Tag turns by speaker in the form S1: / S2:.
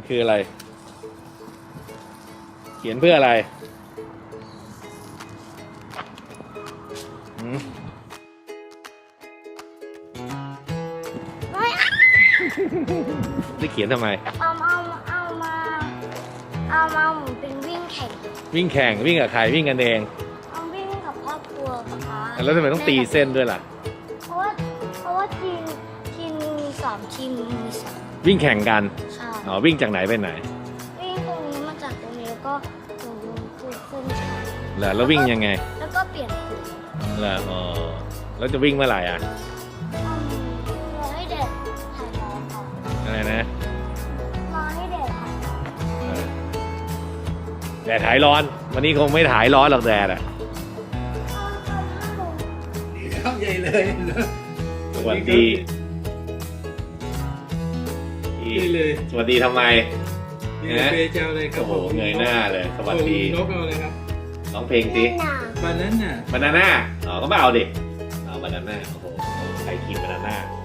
S1: คืออะไรเขียนเพื่ออะไรได้เขียนทำไม
S2: เอามาหมุนเป็นวิ่งแข่ง
S1: วิ่งกับใครวิ่งกันเอง
S2: เอาวิ่งกับครอบครัวกับพ่อ
S1: แล้วทำไมต้องตีเส้นด้วยล่ะ
S2: เพราะว่าทีมมี3 ทีมมี3
S1: วิ่งแข่งกัน
S2: ใช่
S1: อ๋อวิ่งจากไหนไปไหน
S2: วิ่งตรงนี้มาจากตรงนี้แล้วก็ตรงนู้นคือเส้นชัย
S1: แล้ววิ่งยังไง
S2: แล้วก็เปลี่ยนกลุ่ม
S1: แล้วอ๋อแล้วจะวิ่งเมื่อไหร่อ่ะ
S2: รอให้แดดถ่ายร้อนก่อน
S1: อะไรนะ
S2: รอให้แดดถ่ายร้อน
S1: แดดถ่ายร้อนวันนี้คงไม่ถ่ายร้อนหรอกแดดอ่ะ
S3: ดีครับใหญ่เลย
S1: สวัสดี
S3: เลย
S1: สวัสดีทำไม
S3: เปเจ้าเลยครับ
S1: โอ้โหเงยหน้าเลยสวัสดี
S3: นกเอาเลยครับ
S1: ร้องเพลงสิ
S3: บานาน่า
S1: บานาน่าอ๋อก็ไม่เอาดิเอาบานาน่าโอ้โหใครกินบานาน่า